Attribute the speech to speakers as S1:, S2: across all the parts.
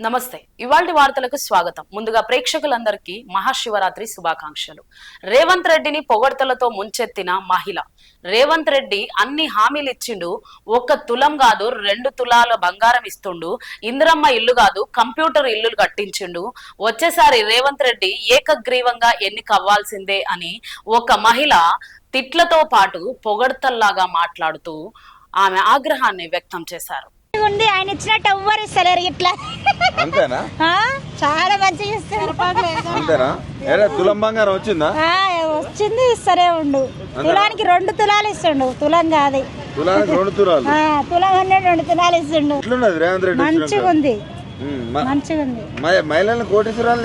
S1: నమస్తే. ఇవాల్టి వార్తలకు స్వాగతం. ముందుగా ప్రేక్షకులందరికీ మహాశివరాత్రి శుభాకాంక్షలు. రేవంత్ రెడ్డిని పొగడ్తలతో ముంచెత్తిన మహిళ. రేవంత్ రెడ్డి అన్ని హామీలు ఇచ్చిండు. 1 తులం కాదు 2 తులాల బంగారం ఇస్తుండు. ఇందిరమ్మ ఇల్లు కాదు కంప్యూటర్ ఇల్లులు కట్టించిండు. వచ్చేసారి రేవంత్ రెడ్డి ఏకగ్రీవంగా ఎన్నికవ్వాల్సిందే అని ఒక మహిళ తిట్లతో పాటు పొగడ్తల్లాగా మాట్లాడుతూ ఆమె ఆగ్రహాన్ని వ్యక్తం చేశారు.
S2: ఉంది ఆయన ఇచ్చినట్టు ఎవ్వరు ఇస్తలేరు ఇట్లా.
S3: అంతేనా?
S2: చాలా మంచిగా ఇస్తారు.
S3: అంతేనా? తులం బంగారం వచ్చిందా?
S2: వచ్చింది, ఇస్తరే ఉండు. తులానికి 2 తులాలు ఇస్తుండు. తులం కాదు,
S3: తులానికి 2 తులాలు.
S2: తులం అనే 2 తులాలు ఇస్తుండు.
S3: రేవంత్ రెడ్డి
S2: మంచిగా ఉంది, మంచిగా ఉంది.
S3: మహిళలను కోటీశ్వరాలు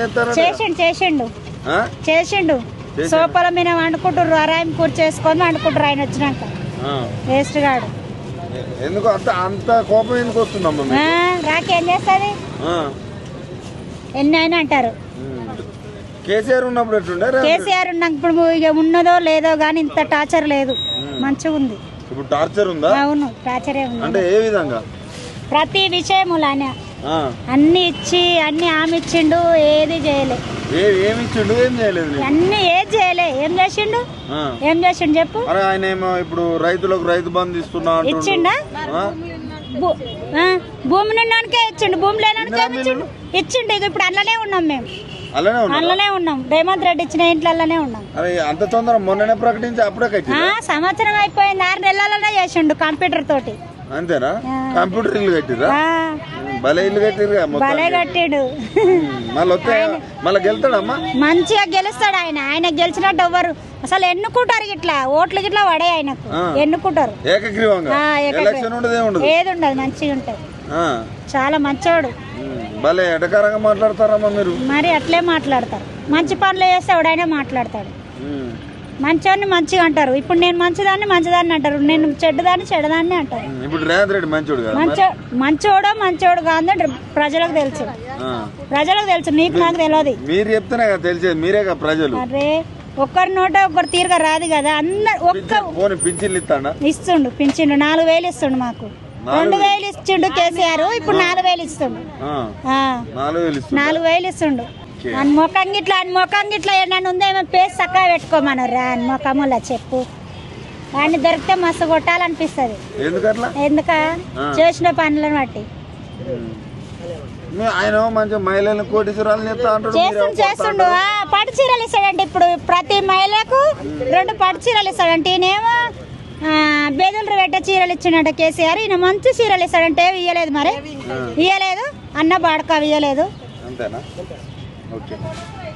S2: చేసిండు. సోపల మీద వండుకుంటారు, అరాయం కూర్చు చేసుకొని వండుకుంటారు ఆయన వచ్చినాక. వేస్ట్ గాడు.
S3: ఎందుకు అంత కోపం ఎందుకు వస్తుందమ్మా?
S2: రాకేం చేస్తుంది, ఎన్ని అయినా అంటారు.
S3: కేసీఆర్ ఉన్నప్పుడు ఎట్లుండే?
S2: కేసీఆర్ ఉన్నప్పుడు ఇక ఉన్నదో లేదో గానీ ఇంత టార్చర్ లేదు, మంచిగా ఉంది.
S3: ఇప్పుడు టార్చర్ ఉందా?
S2: అవును, టార్చరే ఉంది.
S3: అంటే ఏ విధంగా?
S2: ప్రతి విషయములు ఆయన అన్ని ఇచ్చి అన్ని ఆమె ఇచ్చిండు, ఏది చేయలే.
S3: ఏమి ఇచ్చిండు? ఏం చేయలేదు.
S2: అన్ని ఏది చేయలే. ఏం చేసిండు చెప్పు.
S3: ఆయన ఏమో ఇప్పుడు రైతులకు రైతు బంధు ఇస్తున్నా
S2: ఇచ్చిండా? భూమి నిన్నకే ఇచ్చిండు, భూమి లేనానికే ఇచ్చిండు. ఇక ఇప్పుడు అందులోనే ఉన్నాం, మేము అందులోనే ఉన్నాం. రేవంత్ రెడ్డి ఇచ్చిన ఇంట్లోనే ఉన్నాం.
S3: అంత తొందర మొన్ననే ప్రకటించి అప్పుడే
S2: సంవత్సరం అయిపోయింది, 6 నెలలనే చేసిండు కంప్యూటర్ తోటి.
S3: అంతేనా? కంప్యూటర్ ఇల్లు కట్టిరా? భలే ఇల్లు కట్టిరు,
S2: భలే కట్టిడు.
S3: మళ్ళీ గెలుతాడమ్మా?
S2: మంచిగా గెలుస్తాడు ఆయన. ఆయన గెలిచినట్టు ఎవ్వరు అసలు ఎన్నుకుంటారు, ఇట్లా ఓట్లు గిట్లా పడే ఆయనకు ఎన్నుకుంటారు
S3: ఏకగ్రీవంగా.
S2: ఏది ఉండదు, మంచిగా ఉంటది. చాలా మంచోడు.
S3: భలే ఎటకారంగా మాట్లాడతారమ్మా మీరు.
S2: మరి అట్లే మాట్లాడతారు. మంచి పనులు చేస్తే ఎవడైనా మాట్లాడతాడు. మంచోడిని మంచిగా అంటారు. ఇప్పుడు నేను మంచిదాన్ని అంటారు, నేను చెడ్డదాన్ని అంటారు.
S3: ఇప్పుడు రేవంత్ రెడ్డి
S2: మంచోడు కాదు ప్రజలకు తెలుసు, నీకు నాకు తెలియదు.
S3: మీరు చెప్తేనే కదా తెలిసేది, మీరే కదా ప్రజలు.
S2: అరే ఒక్కరి నోట ఒక్కరు తీరుగా రాదు కదా. అందరు ఇస్తుండు, పింఛిండు 4,000 ఇస్తుండు. మాకు 2,000 ఇచ్చిండు కేసీఆర్, ఇప్పుడు 4,000 ఇస్తుండు. 4,000 ఇస్తుండు. అని ముఖం గిట్లా ఏమన్నా ఉందేమో పేస్ చక్కగా పెట్టుకోమన్నారు. అని ముఖములా చెప్పు. వాడిని దొరికితే మస్తు కొట్టాలనిపిస్తుంది. ఎందుక చేసిన పనులను బట్టి. చేస్తుండు. పట్టు చీరలు ఇస్తాడంటే ఇప్పుడు ప్రతి మహిళకు 2 పట్టు చీరలు ఇస్తాడంటే. ఈయనేమో బేదులు పెట్టే చీరలు ఇచ్చిండంట కేసీఆర్. ఈయన మంచి చీరలు ఇస్తాడంటే ఇయ్యలేదు, మరి ఇయ్యలేదు. అన్న బాడక ఇయ్యలేదు.
S3: ఓకే.